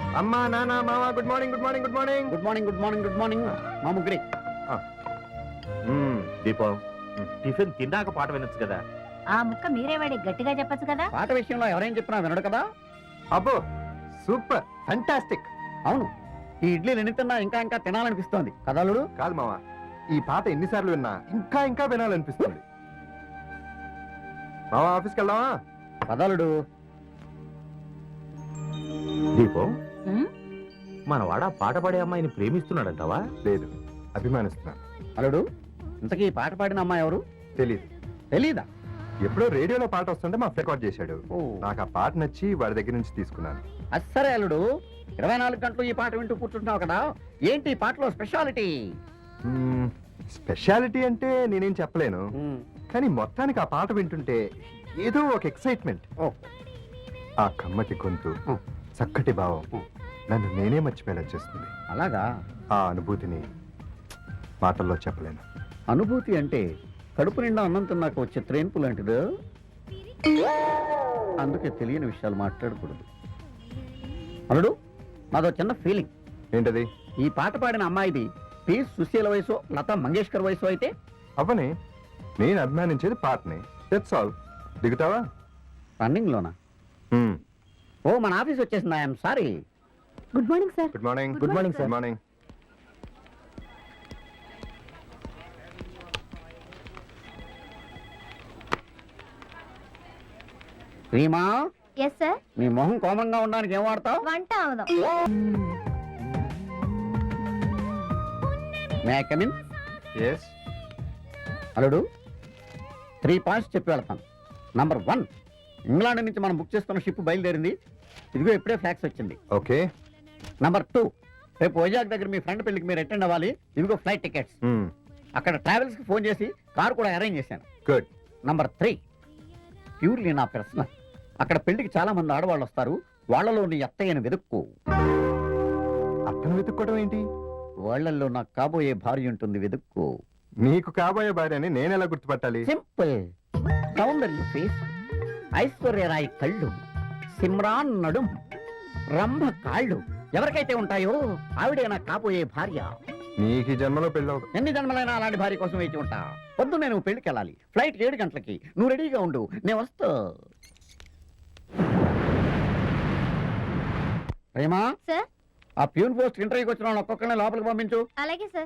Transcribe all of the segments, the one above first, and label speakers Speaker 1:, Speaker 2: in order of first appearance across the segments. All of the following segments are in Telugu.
Speaker 1: అమ్మా నాన్న మామ good morning good morning good morning
Speaker 2: good morning good morning good morning మా ముగ్గురి.
Speaker 3: దీపం టిఫిన్ తిన్నాక పాట వినొచ్చు కదా.
Speaker 4: ఆ ముక్క మీరే వాడి గట్టిగా చెప్పొచ్చు కదా.
Speaker 2: పాట విషయంలో ఎవరేం చెప్పినా వినడు కదా.
Speaker 1: అబ్బో సూపర్ ఫంటాస్టిక్.
Speaker 2: అవును, ఈ ఇడ్లీలు ఎన్ని తిన్నా ఇంకా ఇంకా తినాలనిపిస్తోంది కదలుడు.
Speaker 1: కాదు మామ, ఈ పాట ఎన్నిసార్లు విన్నా ఇంకా ఇంకా వినాలనిపిస్తుంది. మామ ఆఫీస్కి వెళ్దామా?
Speaker 2: కదలుడు.
Speaker 3: దీపం మన వాడ పాట పాడే అమ్మాయిని ప్రేమిస్తున్నాడంటావా?
Speaker 1: లేదు, అభిమానిస్తున్నాను.
Speaker 2: అల్లుడు, ఇంతకీ ఈ పాట పాడిన అమ్మాయి ఎవరు?
Speaker 1: తెలీదు.
Speaker 2: తెలీదా?
Speaker 1: ఎప్పుడో రేడియోలో పాట వస్తుంటే మా రికార్డ్ చేశాడు.
Speaker 2: ఓ.
Speaker 1: నాకు ఆ పాట నచ్చి వాడి దగ్గర నుంచి తీసుకున్నాను.
Speaker 2: అస్సరే అల్లుడు, 24 గంటలు ఈ పాట వింటూ కూర్చుంటున్నావు కదా, ఏంటి ఈ పాటలో స్పెషాలిటీ?
Speaker 1: స్పెషాలిటీ అంటే నేనేం చెప్పలేను, కానీ మొత్తానికి ఆ పాట వింటుంటే ఏదో ఒక ఎక్సైట్మెంట్. ఆ కమ్మటి గొంతు, చక్కటి భావం నన్ను నేనే మర్చిపోయేలా చేస్తుంది.
Speaker 2: అలాగా?
Speaker 1: ఆ అనుభూతిని మాటల్లో చెప్పలేను.
Speaker 2: అనుభూతి అంటే కడుపు నిండా అన్నం తిన్నాక వచ్చే త్రేన్పు లాంటిది. అందుకే తెలియని విషయాలు మాట్లాడకూడదు. అల్లుడు, నాదో చిన్న ఫీలింగ్.
Speaker 1: ఏంటది?
Speaker 2: ఈ పాట పాడిన అమ్మాయిది పి సుశీల వయసు, లతా మంగేష్కర్ వయసు అయితే
Speaker 1: అవని నేను అభిమానించేది పాటని. That's all. దిగుతావా?
Speaker 2: రన్నింగ్ లోనా? ఓ, మన ఆఫీస్ వచ్చేసింది. I'm sorry.
Speaker 4: Good morning sir.
Speaker 1: Good morning.
Speaker 4: Good morning
Speaker 1: good morning.
Speaker 2: Reema,
Speaker 4: yes sir.
Speaker 2: నీ మొహం కోమంగా ఉండడానికి ఏం వాడతావు?
Speaker 4: వంట అవుదాం.
Speaker 2: May I come in?
Speaker 1: yes.
Speaker 2: అల్లుడు, 3 పాయింట్స్ చెప్పి వెళ్తాను. నంబర్ 1, ఇంగ్లాండ్ నుంచి మనం బుక్ చేసుకున్న షిప్ బయలుదేరింది. ఇదిగో ఇప్పుడే ఫ్లాక్స్ వచ్చింది.
Speaker 1: ఓకే.
Speaker 2: నంబర్ 2, రేపు వైజాగ్ దగ్గర మీ ఫ్రెండ్ పెళ్లికి మీరు అటెండ్ అవ్వాలి. ఇదిగో ఫ్లైట్ టికెట్స్. అక్కడ ట్రావెల్స్ కి ఫోన్ చేసి కార్ కూడా అరేంజ్ చేశాను.
Speaker 1: గుడ్.
Speaker 2: నంబర్ 3, ప్యూర్లీ నా పర్సనల్. అక్కడ పెళ్లికి చాలా మంది ఆడవాళ్ళు వస్తారు. వాళ్ళలో నీ అత్తయ్యను వెతుక్కో.
Speaker 1: అతను వెతుక్కోవడం ఏంటి?
Speaker 2: వాళ్ళల్లో నాకు కాబోయే భార్య ఉంటుంది, వెతుక్కో.
Speaker 1: నీకు కాబోయే భార్యని నేను ఎలా గుర్తుపట్టాలి?
Speaker 2: సింపుల్. సౌందర్య ఫేస్, ఐశ్వర్యరాయ్ కళ్ళు, సిమ్రాన్ నడుం, రంభ కాళ్ళు ఎవరికైతే ఉంటాయో ఆవిడే నాకు కాబోయే భార్య.
Speaker 1: నీకు ఈ జన్మలో పెళ్ళవు.
Speaker 2: ఎన్ని జన్మలైనా అలాంటి భార్య కోసం వేచి ఉంటా. పొద్దున్నే నువ్వు పెళ్లికి వెళ్ళాలి. ఫ్లైట్ 7 గంటలకి. నువ్వు రెడీగా ఉండు, నేను వస్తా. ప్రేమా,
Speaker 4: సార్.
Speaker 2: ఆ ప్యూన్ పోస్ట్ ఇంటర్వ్యూకి వచ్చిన వాళ్ళు ఒక్కొక్కరిని లోపలికి పంపించు.
Speaker 4: అలాగే సార్.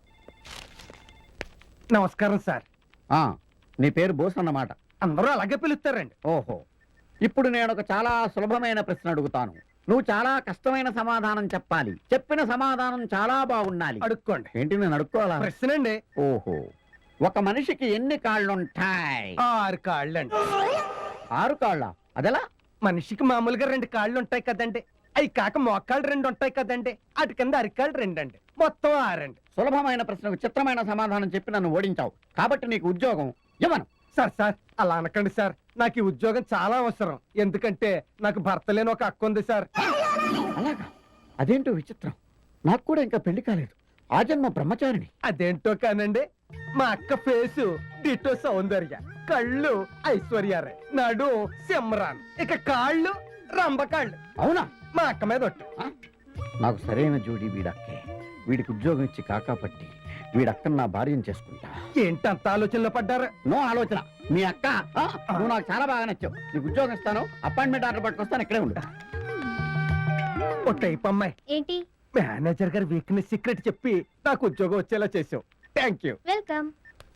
Speaker 5: నమస్కారం సార్.
Speaker 2: నీ పేరు బోస్ అన్నమాట.
Speaker 5: అందరూ అలాగే పిలుస్తారండి.
Speaker 2: ఓహో, ఇప్పుడు నేను ఒక చాలా సులభమైన ప్రశ్న అడుగుతాను. నువ్వు చాలా కష్టమైన సమాధానం చెప్పాలి. చెప్పిన సమాధానం చాలా బాగుండాలి.
Speaker 5: అడుక్కోండి.
Speaker 2: ఏంటి, నేను అడుక్కోవాలా?
Speaker 5: ప్రశ్న అండి.
Speaker 2: ఓహో, ఒక మనిషికి ఎన్ని కాళ్ళుంటాయి?
Speaker 5: 6 కాళ్ళండి.
Speaker 2: 6 కాళ్ళ? అదెలా?
Speaker 5: మనిషికి మామూలుగా 2 కాళ్ళు ఉంటాయి కదండి. అవి కాక మోకాళ్ళు 2 ఉంటాయి కదండి. అటు కింద అరికాళ్ళు 2 అండి. మొత్తం 6 అండి.
Speaker 2: సులభమైన ప్రశ్నకు చిత్రమైన సమాధానం చెప్పి నన్ను ఓడించావు కాబట్టి నీకు ఉద్యోగం ఇవ్వను.
Speaker 5: సార్ అలా అనకండి సార్. నాకు ఈ ఉద్యోగం చాలా అవసరం. ఎందుకంటే నాకు భర్త లేని ఒక అక్క ఉంది సార్.
Speaker 2: అలాగా? అదేంటో విచిత్రం. నాకు కూడా ఇంకా పెళ్లి కాలేదు. ఆ జన్మ బ్రహ్మచారిని.
Speaker 5: అదేంటో కానండి, మా అక్క ఫేసు డిటో సౌందర్య, కళ్ళు ఐశ్వర్యారాయ్, నడు సిమ్రాన్, ఇక కాళ్ళు రంభకాళ్ళు.
Speaker 2: అవునా?
Speaker 5: మా అక్క మీద ఒట్టు.
Speaker 2: నాకు సరైన జోడి వీడక్కే. వీడికి ఉద్యోగం ఇచ్చి కాకాపట్టి వీడక్కను నా భార్యను చేసుకుంటా.
Speaker 5: ఏంటి అంత ఆలోచనలో పడ్డారు?
Speaker 2: నో ఆలోచన. మీ అక్క, నువ్వు నాకు చాలా బాగా నచ్చావు. నీకు ఉద్యోగం ఇస్తాను. అపాయింట్మెంట్ ఆర్డర్ పట్టుకొస్తాను. ఇక్కడే ఉండు.
Speaker 5: ఓ టైప్ అమ్మాయి.
Speaker 4: ఏంటి?
Speaker 5: మేనేజర్ గారి వీక్నెస్ సీక్రెట్ చెప్పి నాకు ఉద్యోగం వచ్చేలా చేసావు. Thank you.
Speaker 4: వెల్కమ్.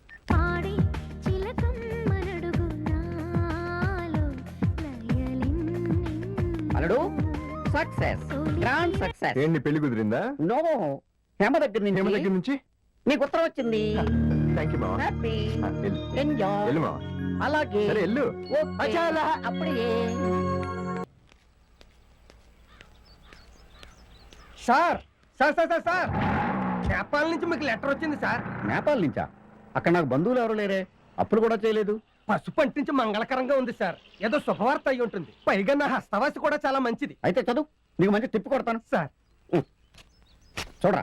Speaker 2: అల్లుడు, సక్సెస్, గ్రాండ్ సక్సెస్.
Speaker 1: ఏంటి పెళ్లి కుదిరిందా?
Speaker 2: నో, హేమ దగ్గర
Speaker 1: హేమ దగ్గర
Speaker 2: నుంచి
Speaker 1: నుంచి
Speaker 2: నీకు ఉత్తరం వచ్చింది.
Speaker 1: థ్యాంక్ యూ మామ.
Speaker 2: హ్యాపీ
Speaker 1: వెళ్ళు.
Speaker 2: ఎంజాయ్.
Speaker 1: వెళ్ళు మామ.
Speaker 2: అలాగే.
Speaker 1: సరే వెళ్ళు.
Speaker 2: ఓకే. అప్పుడే.
Speaker 5: Sir sir sir sir sir Nepal నుంచి మీకు లెటర్ వచ్చింది సార్.
Speaker 2: నేపాల్ నుంచా? అక్కడ నాకు బంధువులు ఎవరు లేరే. అప్పులు కూడా చేయలేదు.
Speaker 5: పసుపు అంటించి మంగళకరంగా ఉంది సార్. ఏదో శుభవార్త అయి ఉంటుంది. పైగా నా హస్తవాసి కూడా చాలా మంచిది.
Speaker 2: అయితే చదువు, నీకు మంచి తిప్పి కొడతాను.
Speaker 5: సార్
Speaker 2: చూడరా.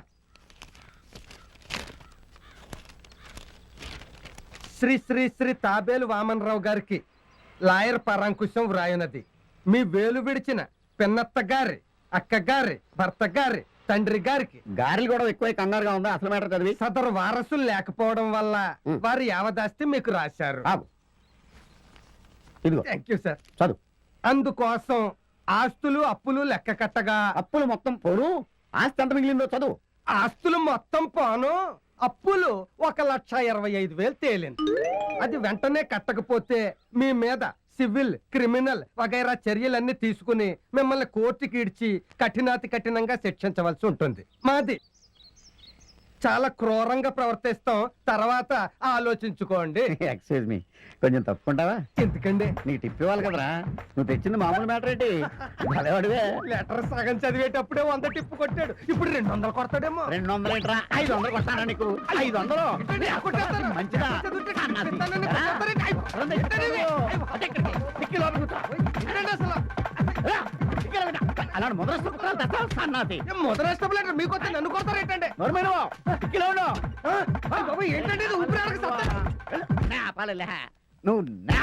Speaker 5: శ్రీ శ్రీ శ్రీ తాబేలు వామనరావు గారికి లాయర్ పరాంకుశం వ్రాయునది. మీ వేలు విడిచిన పిన్నత్త గారి అక్క గారి భర్త గారి తండ్రి గారికి
Speaker 2: గారెలు కూడా ఎక్కువ కంగారుగా ఉందా అసలు మ్యాటర్ చదివి
Speaker 5: సదరు వారసులు లేకపోవడం వల్ల
Speaker 2: ఉం.
Speaker 5: వారు యావదాస్తి మీకు రాశారు.
Speaker 2: ఆగు. ఇదిగో
Speaker 5: థ్యాంక్ యూ సార్.
Speaker 2: చదువు.
Speaker 5: అందుకోసం ఆస్తులు అప్పులు లెక్క కట్టగా
Speaker 2: అప్పులు మొత్తం పోను, ఆస్తి ఎంత మిగిలిందో చదువు.
Speaker 5: ఆస్తులు మొత్తం పోను, అప్పులు 1,25,000 తేలింది. అది వెంటనే కట్టకపోతే మీ మీద సివిల్ క్రిమినల్ వగైరా చర్యలన్నీ తీసుకుని మిమ్మల్ని కోర్టుకి ఇడ్చి కఠినాతి కఠినంగా శిక్షించవలసి ఉంటుంది. మాది చాలా క్రూరంగా ప్రవర్తిస్తాం, తర్వాత ఆలోచించుకోండి.
Speaker 2: ఎక్స్క్యూజ్ మీ, కొంచెం తప్పుకుంటావా?
Speaker 5: ఎందుకండి
Speaker 2: నీకు టిప్ ఇవ్వాలి కదరా, నువ్వు తెచ్చింది మామూలు మ్యాటర్ ఏంటి? భలేవాడివే.
Speaker 5: లెటర్ సగం చదివేటప్పుడే 100 టిప్పు కొట్టాడు, ఇప్పుడు 200 కొడతాడేమో.
Speaker 2: 200 ఏంట్రా, 500 కొట్టానా నీకు? 500
Speaker 5: ఏంటండి, కొట్టేస్తారా?
Speaker 2: మంచిదా?
Speaker 5: చదివితే
Speaker 2: సన్నాసి.
Speaker 5: చెప్తానని కొట్టేస్తారండి.
Speaker 2: రండి,
Speaker 5: ఏంటండి?
Speaker 2: అదే ఇక్కడికి. టిక్కీ లోపలికి కూర్చో.
Speaker 5: ఏంటండి అసలు?
Speaker 2: రా, టిక్కీ లోపలికి రా. అలాంటి మొదలస్తూ కుట్రాలు తెస్తావు సన్నాసి.
Speaker 5: ఏం మొదలష్టం లెటర్ మీకు వస్తే నన్ను కొడతారు ఏంటండి?
Speaker 2: నోర్మేను, టిక్కీలో ఉండు.
Speaker 5: బాబు ఏంటండి ఇది? ఊపిరి ఆడక సత్తా.
Speaker 2: నాపాలే నువ్వు నా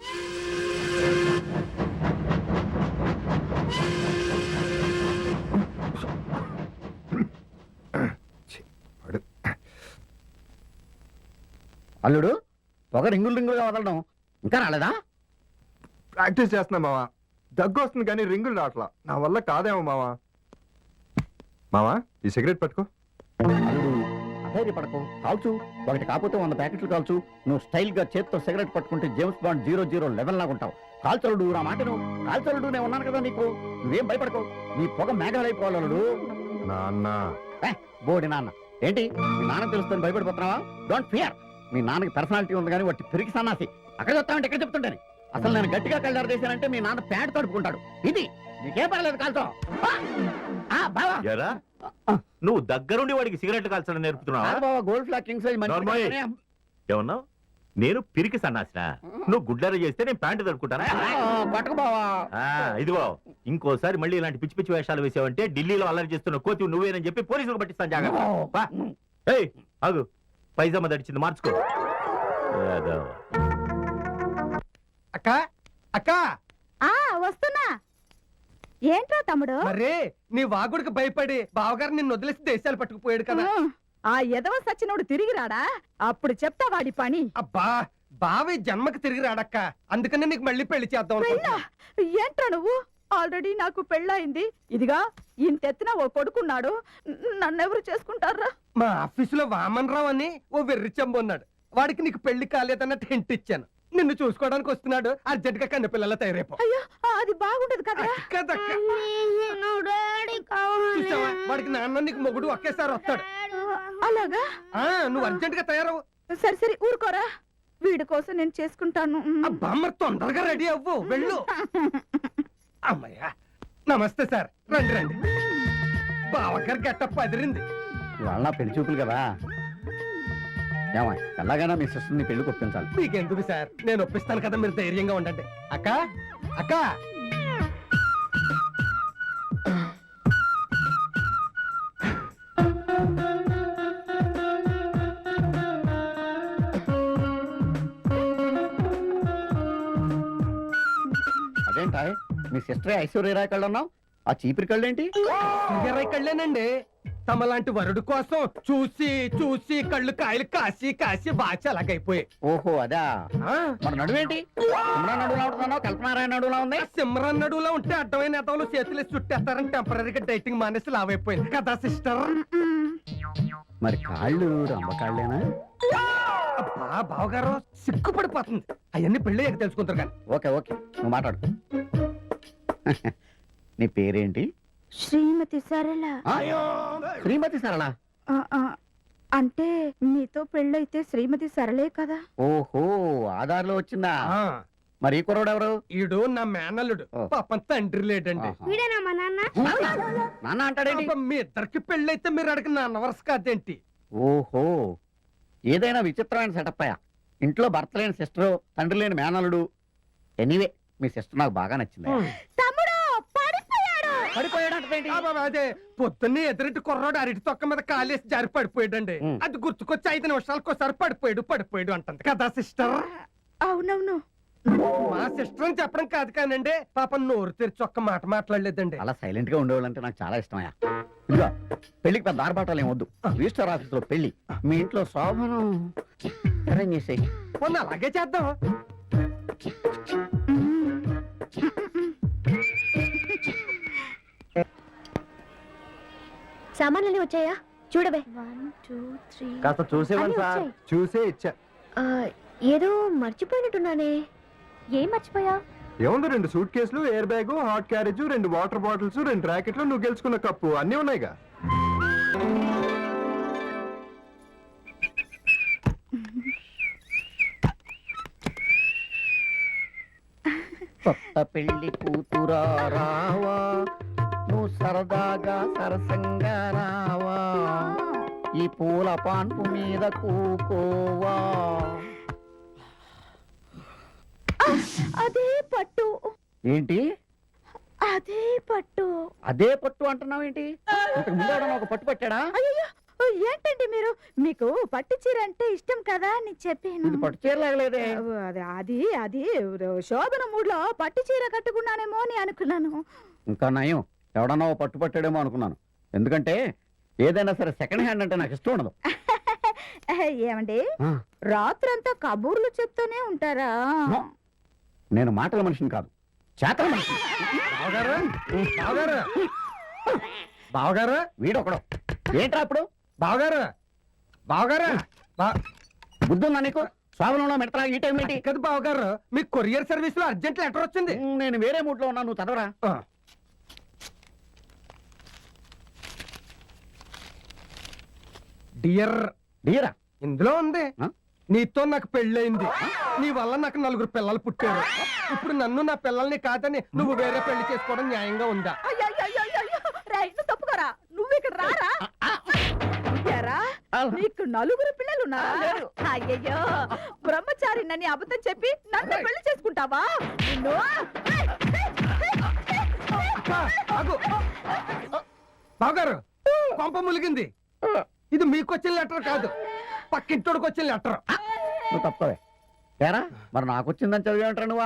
Speaker 1: వాడు
Speaker 2: అల్లుడు పొగ రింగులు రింగులుగా వదలడం ఇంకా రాలేదా?
Speaker 1: ప్రాక్టీస్ చేస్తున్నా మావా. దగ్గు వస్తుంది కానీ రింగులు రావట్లా. నా వల్ల కాదేమో మావా. మావా ఈ సిగరెట్ పట్టుకో.
Speaker 2: అల్లుడు అధైర్యపడకు, కాల్చు. ఒకటి కాకపోతే 100 ప్యాకెట్లు కాల్చు. నువ్వు స్టైల్ గా చేత్తో సిగరెట్ పట్టుకుంటే జేమ్స్ బాండ్ 007 లాగా ఉంటావు. కాల్చలుడు నా మాట నువ్వు కాల్చలుడు, నేను ఉన్నాను కదా నీకు. నువ్వేం భయపడకు, నీ పొగ మేఘాలైపోవాలి అల్లుడు.
Speaker 1: నాన్న
Speaker 2: బోడి నాన్న ఏంటి, మీ నాన్న తెలుస్తుంది భయపడిపోతున్నావా? Don't fear. మీ నాన్నకి పర్సనాలిటీ ఉంది కానీ వాటి పెరిగి సన్నాసి. అక్కడ చెప్తామంటే ఎక్కడ చెప్తుంటాను. అసలు నేను గట్టిగా కళ్ళారు చేశానంటే మీ నాన్న ప్యాడ్ తడుపుకుంటాడు. ఇది నీకేం పర్లేదు, కాల్చో. బావా
Speaker 3: ఎరా నువ్వు దగ్గరుండి వాడికి సిగరెట్ కాల్చడం నేర్పుతున్నావా?
Speaker 2: బావా, గోల్డ్ ఫ్లాగ్ కింగ్ సైజ్
Speaker 3: నోర్మోయ్. ఏమన్నావు? నేను పిరికి సన్నాసినా? నువ్వు గుడ్లర చేస్తే నేను ప్యాంటు తడుకుంటానా?
Speaker 2: పట్టుకు బావా.
Speaker 3: ఇదిగో ఇంకోసారి మళ్ళీ ఇలాంటి పిచ్చి పిచ్చి వేషాలు వేసావంటే ఢిల్లీలో అల్లరి చేస్తున్న కోతి నువ్వేనని చెప్పి పోలీసులకు పట్టిస్తాను. జాగ్రత్త. వా. ఏయ్ ఆగు, పైజామా దడిచింది, మార్చుకో. ఏదో.
Speaker 5: అక్క అక్క
Speaker 4: వస్తున్నా. ఏంట్రా తమ్ముడు?
Speaker 5: మరే నీ వాగుడికి భయపడి బావగారు నిన్ను వదిలేసి దేశాలు పట్టుకుపోయాడు కదా.
Speaker 6: ఆ ఎదవ సచ్చినోడు తిరిగి రాడా? అప్పుడు చెప్తా వాడి పని.
Speaker 5: అబ్బా బావి జన్మకి తిరిగి రాడక్క, అందుకనే నీకు మళ్ళీ పెళ్లి చేద్దాం అనుకుంటున్నా.
Speaker 6: ఏంట్రా నువ్వు? ఆల్రెడీ నాకు పెళ్ళయింది. ఇదిగా ఇంతెత్తిన ఓ కొడుకున్నాడు. నన్నెవరు చేసుకుంటారా?
Speaker 5: మా ఆఫీసులో వామన్ రావు అని ఓ వెర్రి చెంబు ఉన్నాడు. వాడికి నీకు పెళ్లి కాలేదన్నట్టు హింట్ ఇచ్చాను. నిన్ను చూసుకోవడానికి వస్తున్నాడు. అర్జెంట్ గా కన్న పిల్లల తయారైపో.
Speaker 6: అయ్యో, అది బాగుంటది కదా.
Speaker 5: కదక్క. చూసావా, వాడికి నాన్న నీకు మొగుడు ఒకేసారి వస్తాడు.
Speaker 6: అలాగా?
Speaker 5: నువ్వు అర్జెంట్ గా తయారవు.
Speaker 6: సరే సరే ఊరుకోరా, వీడి కోసం నేను చేసుకుంటాను.
Speaker 5: అబ్బా మరి తొందరగా రెడీ అవ్వు, వెళ్ళు. అమ్మయ్యా, నమస్తే సార్, రండి రండి. బావగారు గెట్టప్ అదిరింది.
Speaker 2: ఇవాళ నా పెళ్లి చూపులు కదా. ఏమా ఎలాగైనా మీ సిస్టర్ని పెళ్లి ఒప్పించాలి.
Speaker 5: మీకెందుకు సార్, నేను ఒప్పిస్తాను కదా, మీరు ధైర్యంగా ఉండండి. అక్క అక్క
Speaker 2: అదేంటా మీ సిస్టర్ ఐశ్వర్యరాయ్ కళ్ళు అన్నావు, ఆ చీపిరి కళ్ళు ఏంటి?
Speaker 5: ఇరవై కళ్ళేనండి. తమలాంటి వరుడు కోసం చూసి చూసి కళ్ళు కాయలు కాసి కాసి బాచి అలాగైపోయాయి.
Speaker 2: ఓహో అదా. మరి నడువేంటి? సిమ్రాన్ నడువులా ఉంటున్నావు, కల్పనారాయణ నడువులా ఉంది.
Speaker 5: సిమ్రన్ నడువులో ఉంటే అడ్డమైన నేతలు చేతులు చుట్టేస్తారని టెంపరీగా డైటింగ్ మానేసి లావైపోయింది కదా సిస్టర్.
Speaker 2: మరి కాళ్ళు రంబకాళ్ళేనా?
Speaker 5: అబ్బా బావగారు సిగ్గుపడిపోతుంది. అవన్నీ పెళ్ళి తెలుసుకుంటారు కానీ.
Speaker 2: ఓకే ఓకే, నువ్వు మాట్లాడు. నీ పేరేంటి?
Speaker 6: శ్రీమతి సరళ.
Speaker 2: శ్రీమతి సరళ.
Speaker 6: అంటే మీతో పెళ్ళైతే శ్రీమతి సరళే కదా.
Speaker 2: ఓహో ఆధార్లో వచ్చిందా? మరి ఈ కుర్రోడు ఎవరు?
Speaker 5: ఈడు నా మేనల్లుడు. పాపం తండ్రి లేడండి.
Speaker 4: వీడేనా మా నాన్న?
Speaker 2: నాన్న అంటాడేంటి?
Speaker 5: పాపం మీ ఇద్దరికి పెళ్ళైతే మీరు అడిగిన నాన్న వరుస కాదేంటి?
Speaker 2: ఓహో ఏదైనా విచిత్రమైన సెటప్ అయ్యా. ఇంట్లో భర్త లేని సిస్టరు, తండ్రి లేని మేనల్లుడు. ఎనీవే మీ సిస్టర్ నాకు బాగా నచ్చింది.
Speaker 6: తమ్ముడు పడిపోయాడు.
Speaker 2: పడిపోయాడంటే
Speaker 5: అదే పొద్దున్నే ఎదురింటి కుర్రాడు అరటి తొక్క మీద కాలేసి జారి పడిపోయాడండి. అది గుర్తుకొచ్చి 5 నిమిషాలకు ఒకసారి పడిపోయాడు అంటుంది కదా సిస్టర్.
Speaker 6: అవునవును.
Speaker 5: మా సిస్టర్ అని చెప్పడం కాదు కానండి పాపం నోరు తెరిచి ఒక్క మాట మాట్లాడలేదండి.
Speaker 2: అలా సైలెంట్ గా ఉండేవాళ్ళంటే నాకు చాలా ఇష్టమయ్యా. ఇదిగో పెళ్లికి పెద్ద ఆర్భాటాలు ఏం వద్దు. రిజిస్టర్ ఆఫీస్ లో పెళ్లి, మీ ఇంట్లో శోభను అరేంజ్ చేసేయి.
Speaker 5: మొన్న అలాగే చేద్దాం.
Speaker 4: సామాన్లన్నీ వచ్చాయా చూడవే.
Speaker 3: కాస్త చూసేవాళ్ళు సార్.
Speaker 1: చూసే ఇచ్చా.
Speaker 4: ఏదో మర్చిపోయినట్టున్నానే. ఏం మర్చిపోయా?
Speaker 1: ఏముంది, 2 సూట్ కేసులు, air bag, hot carriage, 2 water bottles, 2 ర్యాకెట్లు, నువ్వు గెలుచుకున్న కప్పు అన్నీ ఉన్నాయిగా.
Speaker 2: కొత్త పెళ్లి కూతురా రావా, నువ్వు సరదాగా సరసంగా రావా, ఈ పూల పాన్పు మీద కూకోవా.
Speaker 6: అదే పట్టు,
Speaker 2: ఏంటి
Speaker 6: అదే పట్టు.
Speaker 2: అదే పట్టు అంటున్నావు ఏంటి? ఇంతకు ముందు ఎవడన్నా ఒక పట్టు పట్టాడా?
Speaker 6: అయ్యో ఏంటండి మీరు, మీకు పట్టు చీర అంటే ఇష్టం కదా అని చెప్పాను.
Speaker 2: ఇది పట్టు చీరలాగలేదే.
Speaker 6: అది అది శోభన మూడ్లో పట్టు చీర కట్టుకున్నానేమో అని అనుకున్నాను.
Speaker 2: ఇంకా నయం, ఎవడన్నా ఓ పట్టు పట్టాడేమో అనుకున్నాను. ఎందుకంటే ఏదైనా సరే సెకండ్ హ్యాండ్ అంటే నాకు ఇష్టం ఉండదు.
Speaker 6: ఏమండి, రాత్రంతా కబూర్లు చెప్తూనే ఉంటారా?
Speaker 2: నేను మాటల మనిషిని కాదు, చేతల మనిషిని.
Speaker 5: బావగారు, బావగారు, బావగారు,
Speaker 2: వీడొకడు. ఏంట్రా అప్పుడు?
Speaker 5: బావగారు, బావగారు,
Speaker 2: బుద్ధుందా నీకు? స్వామిలో మెడతా ఈ టైం ఏంటి?
Speaker 5: కదా బావగారు, మీకు కొరియర్ సర్వీస్ లో అర్జెంట్ లెటర్ వచ్చింది.
Speaker 2: నేను వేరే మూడ్ లో ఉన్నా, నువ్వు చదవరా.
Speaker 5: డియర్,
Speaker 2: డీరా
Speaker 5: ఇందులో ఉంది,
Speaker 2: ఆ?
Speaker 5: నీతో నాకు పెళ్ళయింది, నీ వల్ల నాకు 4 పిల్లలు పుట్టారు. ఇప్పుడు నన్ను నా పిల్లల్ని కాదని నువ్వు వేరే పెళ్లి చేసుకోవడం న్యాయంగా ఉందా?
Speaker 6: తప్పుకోరా, నువ్వు ఇక్కడ రారా. ఎరా, నీకు 4 పిల్లలు ఉన్నారా? అయ్యయ్యో, బ్రహ్మచారి నన్ను అబద్ధం చెప్పి నన్ను పెళ్లి చేసుకుంటావా? నిన్ను
Speaker 5: ఆగు. బావగారు, కొంప ములిగింది. ఇది మీకు వచ్చిన లెటర్ కాదు, పక్కింటోడికి వచ్చిన లెటర్.
Speaker 2: నువ్వు తప్పవే. ఏరా మరి నాకు వచ్చిందని చదివేంటారా నువ్వా?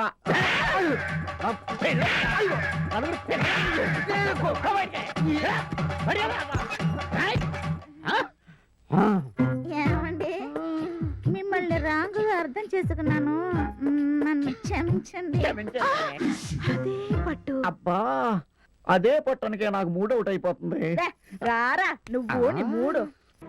Speaker 4: ఏమండి, మిమ్మల్ని రాంగుగా అర్థం చేసుకున్నాను, నన్ను క్షమించండి.
Speaker 6: అదే పట్టు.
Speaker 2: అబ్బా, అదే పట్టణకే నాకు మూడ్ అవుట్ అయిపోతుంది.
Speaker 6: రారా నువ్వు, నీ మూడు.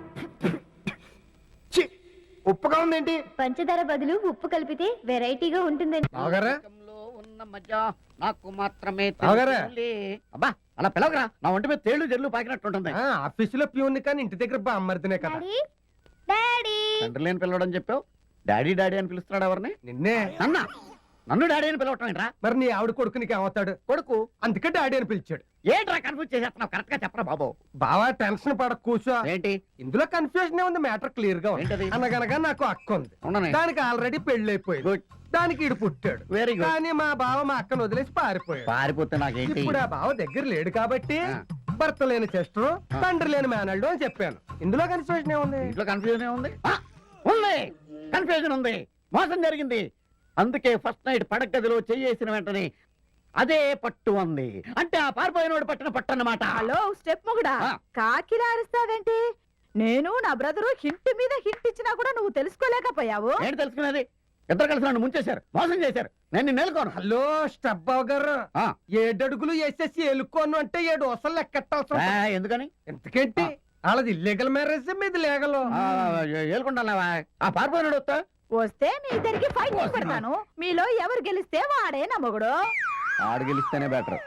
Speaker 1: ఉప్పుగా ఉందేంటి?
Speaker 4: పంచదార బదులు ఉప్పు కలిపితే వెరైటీగా ఉంటుందండి.
Speaker 5: బావగారా,
Speaker 2: ఉన్న మధ్య నాకు మాత్రమే
Speaker 5: బావగారా.
Speaker 2: తెలుసులే. అబ్బా అలా పిలవగరా, నా ఒంటి మీద తేళ్లు జల్లు పాకినట్టుంటుంది.
Speaker 5: ఆఫీసులో ప్యూన్ కానీ ఇంటి దగ్గర బామ్మర్దినే కదా.
Speaker 4: Daddy, daddy.
Speaker 2: తండ్రి లేని పిల్లవడం చెప్పావు, డాడీ డాడీ అని పిలుస్తున్నాడు ఎవరిని?
Speaker 5: నిన్నే.
Speaker 2: నన్ను డాడీ అని పిలవటం ఏంట్రా?
Speaker 5: మరి నీ ఆవిడ కొడుకు నీకు ఏమవుతాడు?
Speaker 2: కొడుకు.
Speaker 5: అందుకే డాడీ అని పిలిచాడు.
Speaker 2: ఏంట్రా కన్ఫ్యూజ్ చేసేస్తున్నావు? కరెక్ట్ గా చెప్పరా బాబు.
Speaker 5: బావా టెన్షన్ పడక కూర్చో.
Speaker 2: ఏంటి
Speaker 5: ఇందులో కన్ఫ్యూజన్ ఉంది, మ్యాటర్ క్లియర్ గా ఉంది.
Speaker 2: ఏంటది?
Speaker 5: అనగనగా నాకు అక్క ఉంది,
Speaker 2: అవునా?
Speaker 5: దానికి ఆల్రెడీ పెళ్లి అయిపోయింది,
Speaker 2: గుడ్,
Speaker 5: దానికి ఇడు పుట్టాడు.
Speaker 2: Very good.
Speaker 5: కానీ మా బావ మా అక్కను వదిలేసి పారిపోయాడు.
Speaker 2: పారిపోతే నాకేంటి?
Speaker 5: ఇప్పుడు ఆ బావ దగ్గర లేడు కాబట్టి
Speaker 2: ఆ.
Speaker 5: భర్త లేని చెస్టర్, తండ్రి లేని మేనల్డు అని చెప్పాను. ఇందులో కన్ఫ్యూజన్ ఏముంది?
Speaker 2: ఇంట్లో కన్ఫ్యూజన్ ఉంది. ఉంది, కన్ఫ్యూజన్ ఉంది. మోసం జరిగింది. అందుకే ఫస్ట్ నైట్ పడగదిలో చెయ్యేసిన వెంటనే అదే పట్టు ఉంది. అంటే ఆ పారిపోయినోడు పట్టిన పట్టు అన్నమాట.
Speaker 6: హలో స్టెప్ మొగుడా,
Speaker 2: ఆ.
Speaker 6: కాకిలా అరుస్తావేంటి? నేను నా బ్రదరు హింట్ మీద హింట్ ఇచ్చినా కూడా నువ్వు తెలుసుకోలేకపోయావు.
Speaker 2: ఏంటి తెలుసుకునేది? ఇద్దరు కలిసి నన్ను ముంచేశారు, మోసం చేశారు. నేను నిన్ను నేలుకోను.
Speaker 5: హలో స్టెప్ బావ గారు,
Speaker 2: ఆ.
Speaker 5: 7 అడుగులు వేసేసి ఎలుకోను అంటే 7 వసలు లెక్కెట్టాల్సి
Speaker 2: ఆ, ఎందుకని?
Speaker 5: ఎందుకేంటి? వాళ్ళది ఇల్లీగల్ మ్యారేజ్, మీది లీగల్.
Speaker 2: ఏలుకుంటావా? ఆ పారిపోయినాడు వస్తా
Speaker 6: వస్తే మీ ఇద్దరికి ఫైట్ పెడతాను. మీలో ఎవరు గెలిస్తే వాడే నా మొగుడు.
Speaker 2: ఆడు గెలిస్తేనే బెటర్.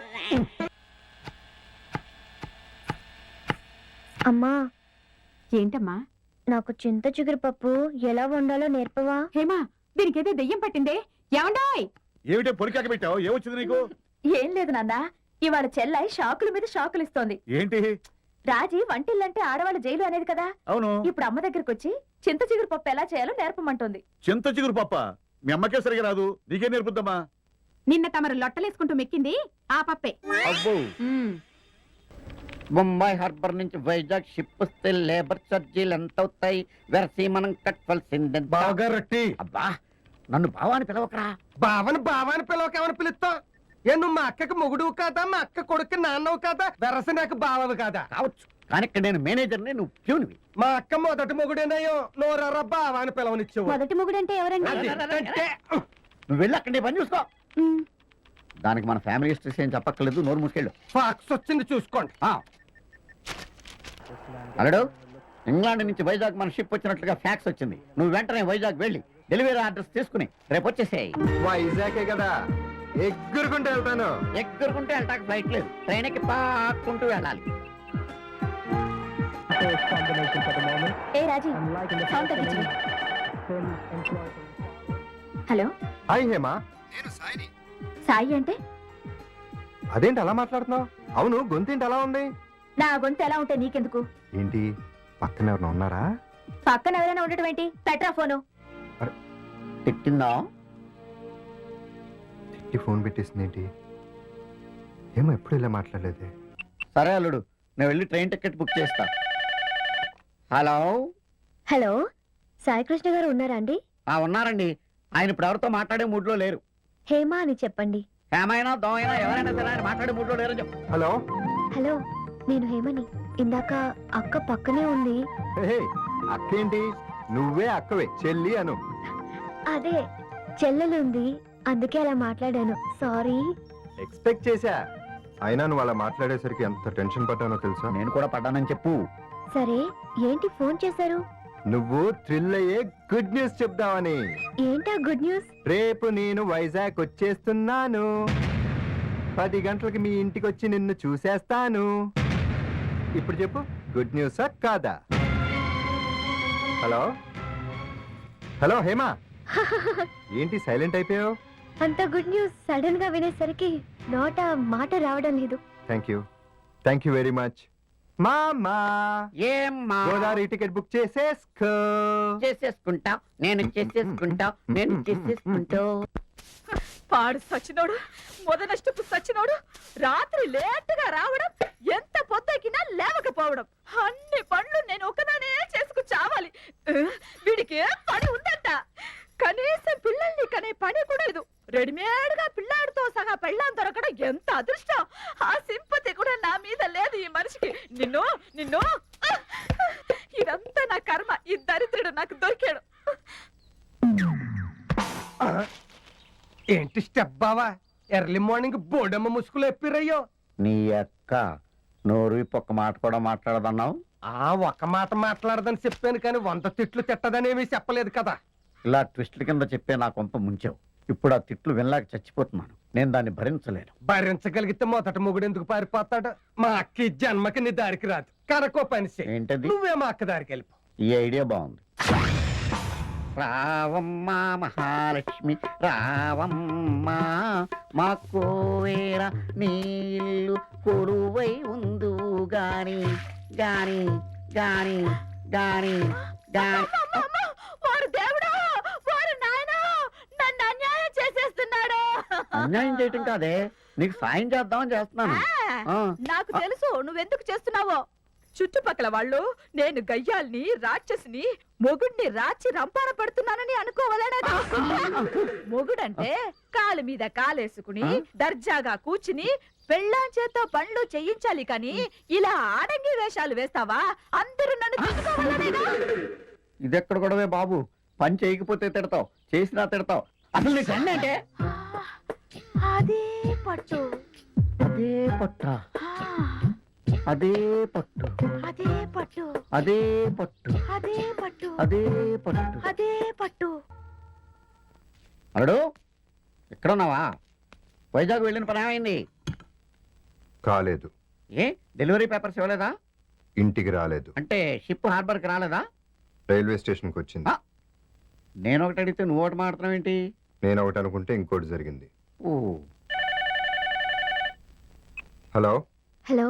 Speaker 4: అమ్మా,
Speaker 6: ఏంటమ్మా?
Speaker 4: నాకు చింత చిగురు పప్పు ఎలా వండాలో నేర్పవా?
Speaker 6: హేమా, దీనికేదో దెయ్యం పట్టిందే. ఏమండాయ్?
Speaker 3: ఏమిటే పొలికాక పెట్టావు? ఏమొచ్చింది నీకు?
Speaker 6: ఏం లేదు నాన్న, ఇవాళ చెల్లై షాకుల మీద షాకులు ఇస్తోంది.
Speaker 3: ఏంటి?
Speaker 6: రాజీ వంటిల్లంటే ఆడవాళ్ళ జైలు అనేది కదా.
Speaker 3: అవును.
Speaker 6: ఇప్పుడు అమ్మ దగ్గరకు వచ్చి చింత చిగురు పప్పు ఎలా చేయాలో నేర్పమంటుంది.
Speaker 3: చింత చిగురు పప్ప మీ అమ్మకే సరిగా రాదు, నీకే నేర్పుద్దమ్మా.
Speaker 6: నిన్న తమరు లొట్టలేసుకుంటూ మెక్కింది ఆ పప్పే.
Speaker 3: అబ్బో,
Speaker 2: బొంబాయి హార్బర్ నుంచి వైజాగ్ షిప్ వస్తే లేబర్ ఛార్జీలు ఎంత అవుతాయి? వెరసి మనం కట్టవలసింది.
Speaker 5: బాగా రొట్టి.
Speaker 2: అబ్బా, నన్ను బావాని పిలవకరా.
Speaker 5: బావని పిలవకేమని పిలుస్తావు? ఏ నువ్వు మా అక్కకి మొగుడు కాదా, మా అక్క కొడుకు నాన్నవు కాదా, వెరస నాకు బావవి కాదా?
Speaker 2: కావచ్చు, కానీ ఇక్కడ నేను మేనేజర్ని, నువ్వు ప్యూన్వి.
Speaker 5: మా అక్క మొదటి మొగుడేనయ్యో, నోరరా బావాని పిలవనిచ్చావు.
Speaker 4: మొదటి మొగుడంటే ఎవరండి?
Speaker 5: అంటే
Speaker 2: నువ్వు వెళ్ళి అక్కడ నీ పని చూసుకో.
Speaker 4: మ్,
Speaker 2: దానికి మన ఫ్యామిలీ హిస్టరీస్ ఏం చెప్పక్కర్లేదు, నోరు మూసుకెళ్ళు.
Speaker 5: ఫాక్స్ వచ్చింది చూసుకోండి.
Speaker 2: అలడు, ఇంగ్లాండ్ నుంచి వైజాగ్ మన షిప్ వచ్చినట్లుగా ఫ్యాక్స్ వచ్చింది. నువ్వు వెంటనే వైజాగ్ వెళ్ళి డెలివరీ అడ్రస్ తీసుకుని రేపు వచ్చేసేయి.
Speaker 1: వైజాగే కదా, ఎగ్గురుకుంటూ వెళ్తాను.
Speaker 2: ఎక్కడుకుంటే వెళ్ళటానికి ఫ్లైట్ లేదు, ట్రైన్ ఎక్కి పాక్కుంటూ వెళ్ళాలి.
Speaker 4: ఏ రాజీ, సౌండ్ తగ్గించు. Hello,
Speaker 1: hi Hema.
Speaker 4: సాయి అంటే?
Speaker 1: అదేంటి అలా మాట్లాడుతున్నావు? అవును, గొంతేంటి అలా ఉంది?
Speaker 4: నా గొంతు ఎలా ఉంటే నీకెందుకు?
Speaker 1: ఏంటి పక్కన ఎవరైనా ఉన్నారా?
Speaker 4: పక్కన ఎవరైనా ఉండటం ఏంటి? పెట్టరా ఫోను.
Speaker 2: తిట్టిందా?
Speaker 1: తిట్టి ఫోన్ పెట్టేసింది ఏంటి? ఏమో ఎప్పుడు ఇలా మాట్లాడలేదే.
Speaker 2: సరే అల్లుడు, నేను వెళ్ళి ట్రైన్ టికెట్ బుక్ చేస్తా. హలో.
Speaker 4: హలో, సాయి కృష్ణ గారు ఉన్నారా అండి?
Speaker 2: ఉన్నారండి. ఆయన ఇప్పుడు ఎవరితో మాట్లాడే మూడ్లో లేరు.
Speaker 4: హేమ అని చెప్పండి.
Speaker 2: ఏమైనా దోమైనా ఎవరైనా సరే ఆయన మాట్లాడే మూడ్లో లేరు చెప్పు.
Speaker 1: హలో.
Speaker 4: హలో, నేను హేమని. ఇందాక అక్క పక్కనే ఉంది.
Speaker 1: హే, అక్కేంటి? నువ్వే అక్కవే, చెల్లి అను.
Speaker 4: అదే చెల్లెలుంది, అందుకే అలా మాట్లాడాను. సారీ.
Speaker 1: ఎక్స్పెక్ట్ చేశా. అయినా నువ్వు అలా మాట్లాడేసరికి ఎంత టెన్షన్ పడ్డానో తెలుసా?
Speaker 2: నేను కూడా పడ్డానని చెప్పు.
Speaker 4: సరే, ఏంటి ఫోన్ చేశారు?
Speaker 1: నువ్వు థ్రిల్ అయ్యే గుడ్ న్యూస్ చెప్దామని.
Speaker 4: ఏంటా గుడ్ న్యూస్?
Speaker 1: రేపు నేను వైజాగ్ వచ్చేస్తున్నాను. 10 గంటలకి మీ ఇంటికి వచ్చి నిన్ను చూసేస్తాను. ఇప్పుడు చెప్పు, గుడ్ న్యూసా కాదా? హలో. హలో హేమా, ఏంటి సైలెంట్ అయిపోయావు?
Speaker 4: అంత గుడ్ న్యూస్ సడన్ గా వినేసరికి నోట మాట రావడం లేదు.
Speaker 1: Thank you very much. మామా,
Speaker 2: ఏమ్మా?
Speaker 1: గోదావరి టికెట్ బుక్ చేసేసుకో.
Speaker 2: చేసేసుకుంటా, నేను చేసేసుకుంటా, నేను చేసేసుకుంటా.
Speaker 6: పాడు సచ్చినోడు, మొదనష్టపు సచ్చినోడు, రాత్రి లేటుగా రావడం, ఎంత పొద్దకినా లేవకపోవడం, అన్ని పనులు నేను ఒకదానే చేసుకు చావాలి. వీడికి ఏం పని ఉందంట? కనీసం పిల్లల్ని కనే పని కూడా లేదు. రెడీమేడ్ గా పిల్లాడితో సహా పెళ్ళాం దొరకడం ఎంత అదృష్టం. ఆ సింపతి కూడా నా మీద లేదు ఈ మనిషికి. నిన్ను నిన్ను ఇదంతా నా కర్మ. ఈ దరిద్రుడు నాకు దొరికాడు.
Speaker 5: ఏంటి స్టెప్ బావా, ఎర్లీ మార్నింగ్ బోడమ్మ ముసుగులు ఎప్పిరయ్యో.
Speaker 2: నీ అక్క నోరు ఒక్క మాట కూడా మాట్లాడదన్నావు.
Speaker 5: ఒక మాట మాట్లాడదని చెప్పాను కానీ 100 తిట్లు తిట్టదనేమి చెప్పలేదు కదా.
Speaker 2: ఇలా ట్విస్టుల కింద చెప్పే నా కొంప ముంచావు. ఇప్పుడు ఆ తిట్లు వినలేక చచ్చిపోతున్నాను. నేను దాన్ని భరించలేను.
Speaker 5: భరించగలిగితే మొదటి మొగుడు ఎందుకు పారిపోతాడు? మా అక్క ఈ జన్మకి నీ దారికి రాదు. కనుకో పని చెయ్.
Speaker 2: ఏంటది?
Speaker 5: నువ్వే మా అక్క దారికి వెళ్ళిపో.
Speaker 2: ఈ ఐడియా బాగుంది. రావమ్మ మహాలక్ష్మి రావమ్మ, మా కోవేర నీళ్ళు కొలువై ఉందు గాని గాని గాని గాని గాని.
Speaker 6: వాడు దేవుడు, వాడు నాయన నన్ను అన్యాయం చేసేస్తున్నాడు.
Speaker 2: అన్యాయం చేయటం కాదే, నీకు సాయం చేద్దామని చేస్తున్నాను. ఆ.
Speaker 6: నాకు తెలుసు నువ్వెందుకు చేస్తున్నావో. చుట్టుపక్కల వాళ్ళు నేను గయ్యాల్ని, రాక్షసిని, మొగుడిని రాచి రంపాన పడుతున్నానని అనుకోవాలనేది. మొగుడంటే కాలు మీద కాలేసుకుని దర్జాగా కూర్చుని పెళ్ళాం చేత్తో పనులు చేయించాలి కానీ ఇలా ఆడంగి వేషాలు వేస్తావా? అందరూ నన్ను చూసుకోవాలనేగా.
Speaker 2: ఇదెక్కడ గొడవే బాబు? పని చేయకపోతే తిడతావు, చేసినా తిడతావు. అసలు నీకు అంటే
Speaker 6: అదే పట్టు,
Speaker 2: అదే పట్ట, అదే పట్టు,
Speaker 6: అదే పట్టు,
Speaker 2: అదే పట్టు,
Speaker 6: అదే పట్టు,
Speaker 2: అదే పట్టు,
Speaker 6: అదే పట్టు.
Speaker 2: అరుడు, ఎక్కడున్నావా? వైజాగ్ వెళ్ళిన పని ఏమైంది?
Speaker 1: కాలేదు.
Speaker 2: ఏ డెలివరీ పేపర్స్ ఇవ్వలేదా?
Speaker 1: ఇంటికి రాలేదు.
Speaker 2: అంటే షిప్ హార్బర్కి రాలేదా?
Speaker 1: రైల్వే స్టేషన్కి వచ్చింది.
Speaker 2: నేను ఒకటి అడిగితే నువ్వు ఒకటి మాట్లాడతావు ఏంటి?
Speaker 1: నేను ఒకటి అనుకుంటే ఇంకోటి జరిగింది.
Speaker 2: ఓ.
Speaker 1: హలో.
Speaker 4: హలో,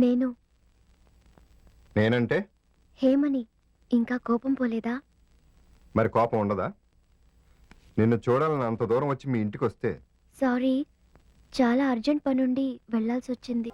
Speaker 1: నేనంటే
Speaker 4: హేమని. ఇంకా కోపం పోలేదా?
Speaker 1: మరి కోపం ఉండదా? నిన్ను చూడాలని అంత దూరం వచ్చి మీ ఇంటికి వస్తే.
Speaker 4: సారీ, చాలా అర్జెంట్ పనుండి వెళ్లాల్సి వచ్చింది.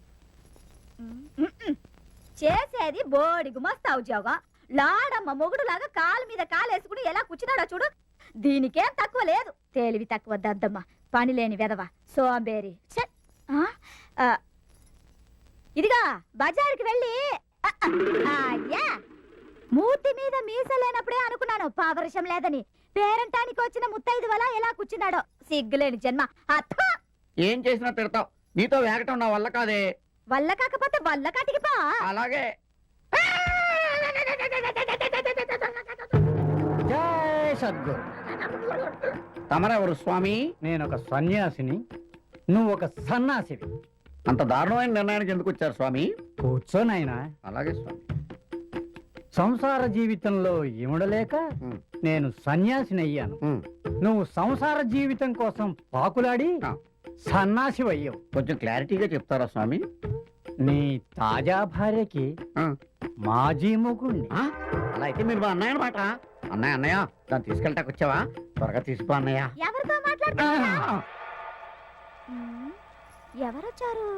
Speaker 6: చేసేది బోడి గుమస్తా ఉద్యోగం. లాడమ్మ మొగుడు లాగా కాలు మీద కాలేసుకుని ఎలా కూర్చున్నాడో చూడు. దీనికేం తక్కువ లేదు. తేలివి తక్కువ దద్దమ్మ, పని లేని వెదవ, సోంబేరి. ఛే! ఆ, ఆ, ఇదిగా బజారుకి వెళ్ళి అయ్యా, మూతి మీద మీసలేనప్పుడే అనుకున్నాను పావరశం లేదని. పేరంటానికి వచ్చిన ముత్తైదు వల్ల ఎలా కూర్చున్నాడో సిగ్గులేని జన్మ. అత్త
Speaker 2: ఏం చేసినా తిడతావు. నీతో వేగటం నా వల్ల కాదే.
Speaker 6: వల్ల కాకపోతే వల్ల కాటికి పా.
Speaker 2: అలాగే.
Speaker 7: జై సద్గురు.
Speaker 2: తమరెవరు స్వామి?
Speaker 7: నేను ఒక సన్యాసిని, నువ్వు ఒక సన్నాసివి.
Speaker 2: అంత దారుణమైన నిర్ణయానికి ఎందుకు వచ్చారు స్వామి?
Speaker 7: కూర్చోనైనా.
Speaker 2: అలాగే స్వామి.
Speaker 7: సంసార జీవితంలో ఇమడలేక
Speaker 2: ఉమ్,
Speaker 7: నేను సన్యాసిని అయ్యాను.
Speaker 2: ఉమ్.
Speaker 7: నువ్వు సంసార జీవితం కోసం పాకులాడి
Speaker 2: ఆ.
Speaker 7: సన్నాసి అయ్యావు.
Speaker 2: కొంచెం క్లారిటీగా చెప్తారా స్వామి?
Speaker 7: నీ తాజా భార్యకి
Speaker 2: ఆ.
Speaker 7: మాజీ మొగుణ్ణి.
Speaker 2: ఆ? అలా అయితే మీరు మా అన్నయ్య అనమాట. అన్నయ్య దాన్ని తీసుకెళ్ళటానికి వచ్చావా? త్వరగా తీసుకో అన్నయ్య.
Speaker 6: ఎవరితో
Speaker 2: ఆ,
Speaker 6: మాట్లాడుతున్నా? ఎవరొచ్చారు?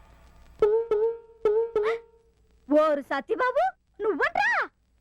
Speaker 6: ఓరు సత్యబాబు, నువ్వట్రా?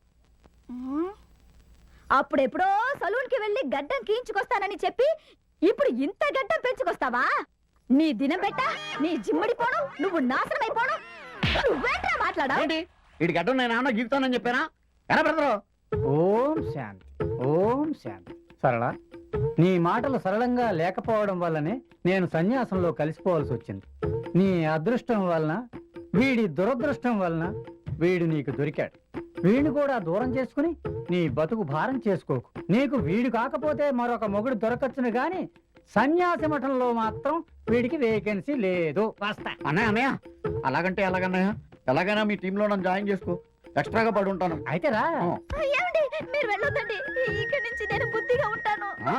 Speaker 6: అప్పుడెప్పుడో సలూన్ కి వెళ్ళి గడ్డం గీయించుకొస్తానని చెప్పి ఇప్పుడు ఇంత గడ్డం పెంచుకొస్తావా? నీ దినం పెట్ట, నీ జిమ్మడి పోవడం, నువ్వు నాశనం అయిపోవడం. నువ్వేంట్రా మాట్లాడా?
Speaker 2: ఏంటి వీడి గడ్డం నేను ఏమన్నా గీకుతానని చెప్పానా? ఎలా బ్రదరు?
Speaker 7: ఓం శాంతి, ఓం శాంతి. సరళ, నీ మాటలు సరళంగా లేకపోవడం వల్లనే నేను సన్యాసంలో కలిసిపోవాల్సి వచ్చింది. నీ అదృష్టం వలన, వీడి దురదృష్టం వలన వీడు నీకు దొరికాడు. వీడిని కూడా దూరం చేసుకుని నీ బతుకు భారం చేసుకోకు. నీకు వీడు కాకపోతే మరొక మొగుడు దొరకచ్చును గాని సన్యాసి మఠంలో మాత్రం వీడికి వేకెన్సీ లేదు. వస్తా.
Speaker 2: అన్నయ్య అలాగంటే ఎలాగన్నయ్య? ఎలాగైనా మీ టీంలో నన్ను జాయిన్ చేసుకో. ఎక్స్ట్రాగా పడి ఉంటాను.
Speaker 7: అయితే రా.
Speaker 6: ఏమండి, మీరు వెళ్ళొద్దండి. ఇక్కడి నుంచి నేను బుద్ధిగా ఉంటాను.
Speaker 2: ఆ?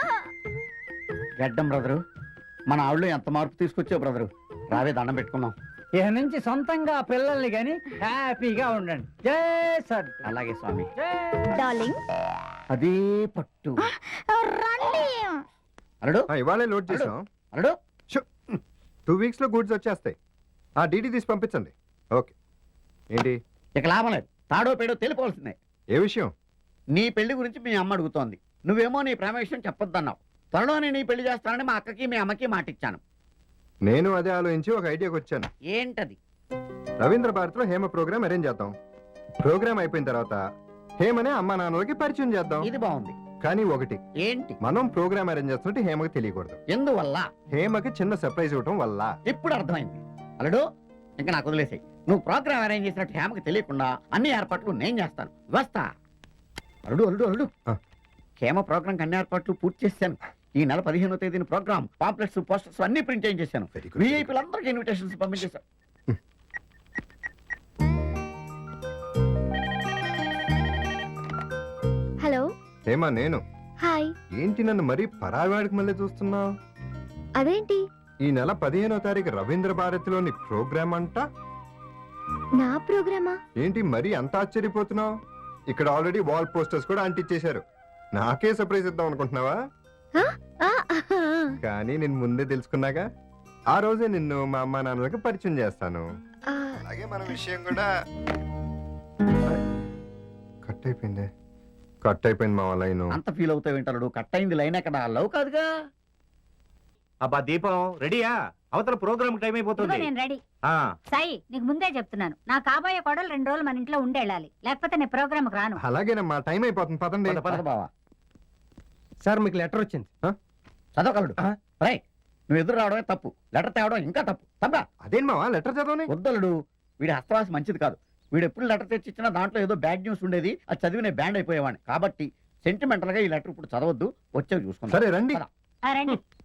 Speaker 2: గడ్డం బ్రదరు, మన ఆవిడలో ఎంత మార్పు తీసుకొచ్చావు బ్రదరు. రావే దండం పెట్టుకున్నాం.
Speaker 7: ఇక నుంచి సొంతంగా పిల్లల్ని గాని హ్యాపీగా ఉండండి. జై సద్.
Speaker 2: అలాగే స్వామి.
Speaker 6: డార్లింగ్,
Speaker 2: అదే పట్టు.
Speaker 6: రండి.
Speaker 2: అల్లుడు,
Speaker 1: ఇవాళే లోడ్ చేసాం.
Speaker 2: అల్లుడు.
Speaker 1: 2 weeks లో గూడ్స్ వచ్చేస్తాయి. ఆ డీడీ తీసి పంపించండి. ఓకే. ఏంటి
Speaker 2: ఇక లాభం లేదు. తాడో పేడో తెలిపోవాల్సిందే.
Speaker 1: ఏ విషయం?
Speaker 2: నీ పెళ్లి గురించి మీ అమ్మ అడుగుతోంది. నువ్వేమో నీ ప్రేమ విషయం చెప్పొద్దన్నావు. త్వరలోనే నీ పెళ్లి చేస్తానని మా అక్కకి మీ అమ్మకి మాటిచ్చాను.
Speaker 1: నేను అదే ఆలోచించి ఒక ఐడియాకి వచ్చాను.
Speaker 2: ఏంటది?
Speaker 1: రవీంద్ర భారతిలో హేమ ప్రోగ్రామ్ అరేంజ్ చేద్దాం. ప్రోగ్రామ్ అయిపోయిన తర్వాత హేమనే అమ్మా నాన్నలకి పరిచయం చేద్దాం.
Speaker 2: ఇది బాగుంది.
Speaker 1: కానీ ఒకటి,
Speaker 2: ఏంటి?
Speaker 1: మనం ప్రోగ్రామ్ అరేంజ్ చేస్తున్నట్టు హేమకి తెలియకూడదు.
Speaker 2: ఎందువల్ల?
Speaker 1: హేమకి చిన్న సర్ప్రైజ్ ఇవ్వటం వల్ల.
Speaker 2: ఇప్పుడు అర్థమైంది. అల్లుడు, ఇంకా నాకు వదిలేసాయి. నువ్వు ప్రోగ్రామ్ అరేంజ్ చేసినట్టు హేమకి తెలియకుండా అన్ని ఏర్పాట్లు నేను చేస్తాను. వస్తా. అల్లుడు అల్లుడు అల్లుడు,
Speaker 1: ఆ.
Speaker 2: హేమ ప్రోగ్రామ్ అన్ని ఏర్పాట్లు పూర్తి చేశాను. ఈ నెల 15వ తేదీన ప్రోగ్రామ్ పాంప్లెట్స్, పోస్టర్స్ అన్ని ప్రింట్ చేయించేశాను.
Speaker 1: Very good.
Speaker 2: విఐపీలందరికీ ఇన్విటేషన్స్ పంపించేశాను.
Speaker 4: హలో.
Speaker 1: హేమ నేను.
Speaker 4: హాయ్.
Speaker 1: ఏంటి నన్ను మరీ పరావాడికి మళ్ళీ చూస్తున్నావు?
Speaker 4: అదేంటి?
Speaker 1: ఈ నెల 15వ తారీఖు రవీంద్ర భారతిలోని ప్రోగ్రామ్ అంట.
Speaker 4: నా ప్రోగ్రామా?
Speaker 1: ఏంటి మరీ అంత ఆశ్చర్యపోతున్నావు? ఇక్కడ ఆల్రెడీ వాల్ పోస్టర్స్ కూడా అంటించేశారు. నాకే సర్ప్రైజ్ ఇద్దాం అనుకుంటున్నావా? కానీ నేను ముందే తెలుసుకున్నాగా. ఆ రోజే నిన్ను మా అమ్మా నాన్నలకి పరిచయం చేస్తాను. అలాగే మన విషయం కూడా కట్ అయిపోయింది మా లైన్.
Speaker 2: అంత ఫీల్ అవుతావు ఏంటల్లుడు? కట్ అయింది లైన్ ఎక్కడ? లవ్ కాదుగా.
Speaker 3: అబ్బా దీపం, రెడీయా? అవతల ప్రోగ్రామ్ టైం అయిపోతుంది.
Speaker 8: నేను రెడీ.
Speaker 3: ఆ,
Speaker 8: సాయి, నీకు ముందే చెప్తున్నాను, నా కాబోయే కోడలు 2 రోజులు మన ఇంట్లో ఉండేళ్ళాలి, లేకపోతే నేను ప్రోగ్రామ్ రాను.
Speaker 1: అలాగేనమ్మా, టైం అయిపోతుంది, పదండి.
Speaker 3: పద, పద.
Speaker 2: బావా
Speaker 5: సార్ మీకు లెటర్ వచ్చింది.
Speaker 2: చదవగలడు.
Speaker 5: ఆ.
Speaker 2: రై, నువ్వు ఎదురు రావడమే తప్పు, లెటర్ తేవడం ఇంకా తప్పు. తప్పా?
Speaker 1: అదేం మావా లెటర్ చదవని?
Speaker 2: వద్దలుడు, వీడి హస్తవాసి మంచిది కాదు. వీడు ఎప్పుడు లెటర్ తెచ్చిచ్చినా దాంట్లో ఏదో బ్యాడ్ న్యూస్ ఉండేది. అది చదివి నేను బ్యాండ్ అయిపోయేవాడిని. కాబట్టి సెంటిమెంటల్ గా ఈ లెటర్ ఇప్పుడు చదవద్దు, వచ్చేది చూసుకుంటా.
Speaker 1: సరే రండి.
Speaker 8: రండి.